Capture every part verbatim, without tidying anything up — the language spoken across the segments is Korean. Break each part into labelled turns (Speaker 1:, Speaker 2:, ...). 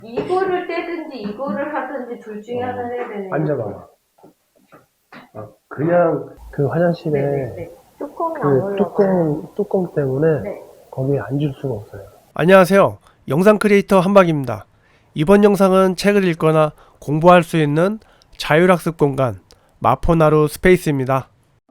Speaker 1: 이거를 떼든지 이거를 하든지 둘 중에
Speaker 2: 어,
Speaker 1: 하나를 해야 되네.
Speaker 2: 앉아봐. 아, 그냥 그 화장실에
Speaker 1: 네네네. 뚜껑이 안
Speaker 2: 그
Speaker 1: 올라가요.
Speaker 2: 뚜껑, 뚜껑 때문에
Speaker 1: 네.
Speaker 2: 거기에 앉을 수가 없어요.
Speaker 3: 안녕하세요. 영상 크리에이터 한박입니다. 이번 영상은 책을 읽거나 공부할 수 있는 자율학습 공간 마포나루 스페이스입니다.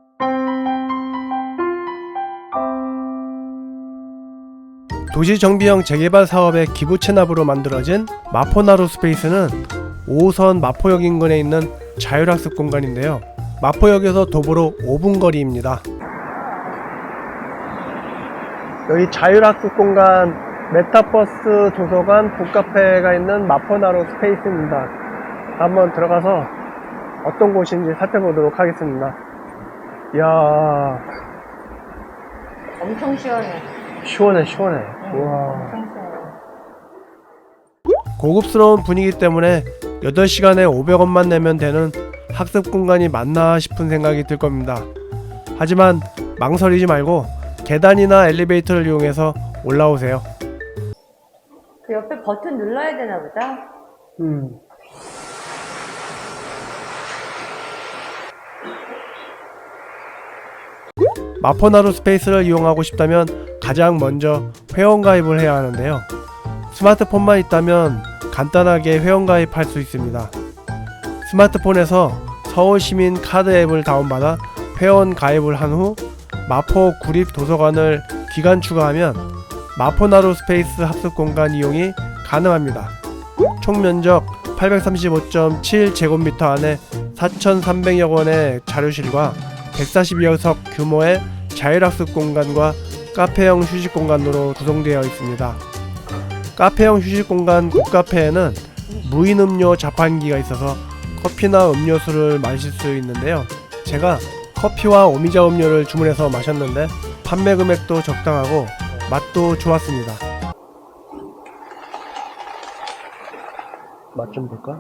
Speaker 3: 도시정비형 재개발 사업의 기부 체납으로 만들어진 마포나루 스페이스는 오 호선 마포역 인근에 있는 자율학습 공간인데요. 마포역에서 도보로 오 분 거리입니다.
Speaker 2: 여기 자율학습 공간 메타버스 도서관 북카페가 있는 마포나루 스페이스입니다. 한번 들어가서 어떤 곳인지 살펴보도록 하겠습니다. 이야,
Speaker 1: 엄청 시원해.
Speaker 2: 시원해 시원해.
Speaker 1: 응,
Speaker 2: 우와.
Speaker 1: 엄청 시원해.
Speaker 3: 고급스러운 분위기 때문에 여덟 시간에 오백 원만 내면 되는 학습 공간이 맞나 싶은 생각이 들 겁니다. 하지만 망설이지 말고 계단이나 엘리베이터를 이용해서 올라오세요.
Speaker 1: 그 옆에 버튼 눌러야 되나 보다.
Speaker 2: 음.
Speaker 3: 마포나루 스페이스를 이용하고 싶다면 가장 먼저 회원가입을 해야 하는데요. 스마트폰만 있다면 간단하게 회원가입할 수 있습니다. 스마트폰에서 서울시민 카드 앱을 다운받아 회원가입을 한 후 마포 구립 도서관을 기간 추가하면 마포나루 스페이스 학습 공간 이용이 가능합니다. 총 면적 팔백삼십오 점 칠 제곱미터 안에 사천삼백여 원의 자료실과 백사십여 석 규모의 자율학습 공간과 카페형 휴식 공간으로 구성되어 있습니다. 카페형 휴식 공간 북카페에는 무인 음료 자판기가 있어서 커피나 음료수를 마실 수 있는데요. 제가 커피와 오미자 음료를 주문해서 마셨는데 판매 금액도 적당하고 맛도 좋았습니다.
Speaker 2: 맛 좀 볼까?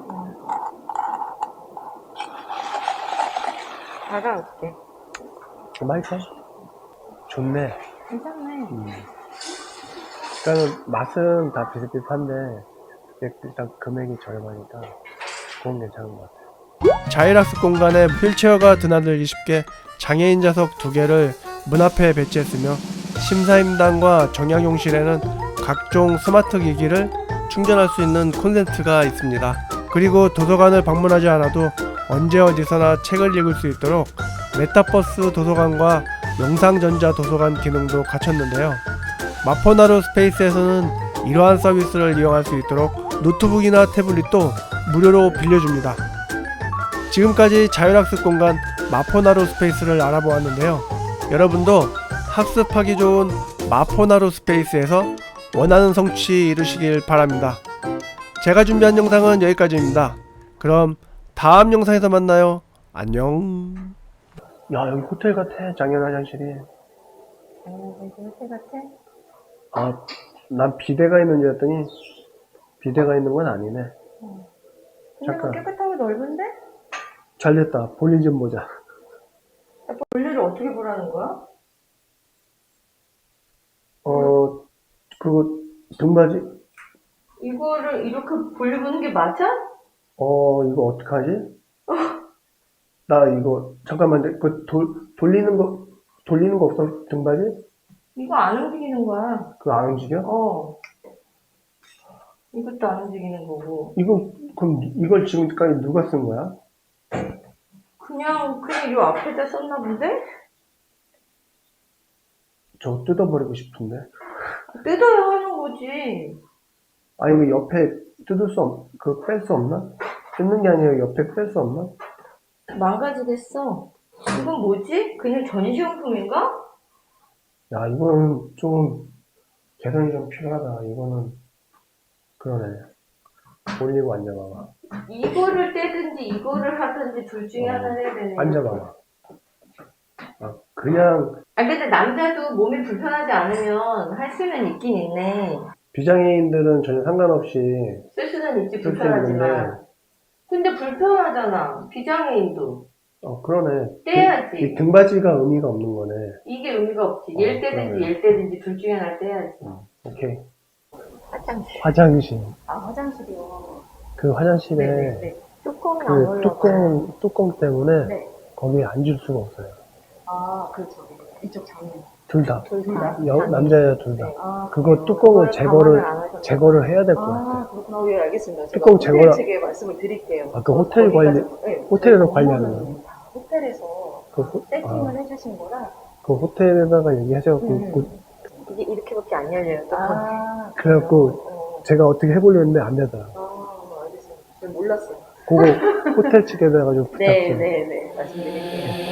Speaker 1: 알아올게.
Speaker 2: 맛있어? 좋네.
Speaker 1: 괜찮네.
Speaker 2: 음. 일단은 맛은 다 비슷비슷한데 일단 금액이 저렴하니까 그건 괜찮은 것 같아요.
Speaker 3: 자율학습 공간에 휠체어가 드나들기 쉽게 장애인 좌석 두 개를 문 앞에 배치했으며 심사임당과 정약용실에는 각종 스마트 기기를 충전할 수 있는 콘센트가 있습니다. 그리고 도서관을 방문하지 않아도 언제 어디서나 책을 읽을 수 있도록 메타버스 도서관과 영상전자 도서관 기능도 갖췄는데요. 마포나루 스페이스에서는 이러한 서비스를 이용할 수 있도록 노트북이나 태블릿도 무료로 빌려줍니다. 지금까지 자율학습 공간 마포나루 스페이스를 알아보았는데요. 여러분도 학습하기 좋은 마포나루 스페이스에서 원하는 성취 이루시길 바랍니다. 제가 준비한 영상은 여기까지입니다. 그럼 다음 영상에서 만나요. 안녕.
Speaker 2: 야, 여기 호텔 같아. 작년 화장실이.
Speaker 1: 어, 이거 호텔 같아?
Speaker 2: 아, 난 비데가 있는 줄 알았더니 비데가 있는 건 아니네.
Speaker 1: 근데
Speaker 2: 잠깐.
Speaker 1: 뭐 깨끗하고 넓은데?
Speaker 2: 잘 됐다. 볼일 좀 보자.
Speaker 1: 볼일을 어떻게 보라는 거야?
Speaker 2: 어, 그거 등받이?
Speaker 1: 이거를 이렇게 볼일 보는 게 맞아?
Speaker 2: 어, 이거 어떡하지? 나 이거 잠깐만, 그 돌, 돌리는 거 돌리는 거 없어? 등받이?
Speaker 1: 이거 안 움직이는 거야.
Speaker 2: 그거 안 움직여?
Speaker 1: 어. 이것도 안 움직이는 거고.
Speaker 2: 이거 그럼 이걸 지금까지 누가 쓴 거야?
Speaker 1: 그냥, 그냥 요 앞에다 썼나 본데?
Speaker 2: 저거 뜯어버리고 싶은데.
Speaker 1: 뜯어야 하는 거지.
Speaker 2: 아니, 그 옆에 뜯을 수 없, 그 뺄 수 없나? 뜯는 게 아니라 옆에 뺄 수 없나?
Speaker 1: 망가지겠어. 이건 뭐지? 그냥 전시용품인가?
Speaker 2: 야, 이거는 좀 개선이 좀 필요하다. 이거는 그러네. 올리고 앉아봐봐.
Speaker 1: 이거를 떼든지 이거를 하든지 둘 중에
Speaker 2: 어.
Speaker 1: 하나를 해야 되네.
Speaker 2: 앉아봐봐. 아, 그냥
Speaker 1: 아, 근데 남자도 몸이 불편하지 않으면 할 수는 있긴 있네.
Speaker 2: 비장애인들은 전혀 상관없이
Speaker 1: 쓸 수는 있지,
Speaker 2: 쓸 수 있는데,
Speaker 1: 불편하지만. 근데 불편하잖아, 비장애인도.
Speaker 2: 어, 그러네.
Speaker 1: 떼야지.
Speaker 2: 이 등받이가 의미가 없는 거네.
Speaker 1: 이게 의미가 없지.
Speaker 2: 어,
Speaker 1: 얘를 떼든지
Speaker 2: 그러네.
Speaker 1: 얘를 떼든지 둘 중에 하나를 떼야지.
Speaker 2: 오케이.
Speaker 1: 화장실.
Speaker 2: 화장실.
Speaker 1: 아, 화장실이요.
Speaker 2: 그 화장실에
Speaker 1: 네네네. 뚜껑이 안
Speaker 2: 그
Speaker 1: 올라가요.
Speaker 2: 뚜껑, 뚜껑 때문에
Speaker 1: 네.
Speaker 2: 거기에 앉을 수가 없어요.
Speaker 1: 아, 그렇죠. 이쪽 장면.
Speaker 2: 둘 다.
Speaker 1: 둘 다.
Speaker 2: 여, 남자, 여자 둘 다.
Speaker 1: 네. 아,
Speaker 2: 그거
Speaker 1: 그래요?
Speaker 2: 뚜껑을
Speaker 1: 그걸
Speaker 2: 제거를,
Speaker 1: 감안을 안 하셨나요?
Speaker 2: 제거를 해야 될 것 같아요.
Speaker 1: 아, 그렇구나. 예, 알겠습니다. 제가
Speaker 2: 뚜껑
Speaker 1: 호텔
Speaker 2: 제거라-
Speaker 1: 측에 말씀을 드릴게요.
Speaker 2: 아, 그 호텔 관리-
Speaker 1: 네,
Speaker 2: 호텔에서
Speaker 1: 저희
Speaker 2: 관리하는
Speaker 1: 업무는 다 호텔에서
Speaker 2: 그 호-
Speaker 1: 세팅을
Speaker 2: 아.
Speaker 1: 해주신 거라.
Speaker 2: 그 호텔에다가 얘기하셔갖고,
Speaker 1: 음.
Speaker 2: 그-
Speaker 1: 이게 이렇게밖에 안 열려요. 아,
Speaker 2: 그래갖고
Speaker 1: 어.
Speaker 2: 제가 어떻게 해보려 했는데 안 되더라고요.
Speaker 1: 아, 알겠어요. 제가 몰랐어요.
Speaker 2: 그거 호텔 측에다가 좀 부탁
Speaker 1: 네,
Speaker 2: 좀.
Speaker 1: 네, 네. 말씀드릴게요.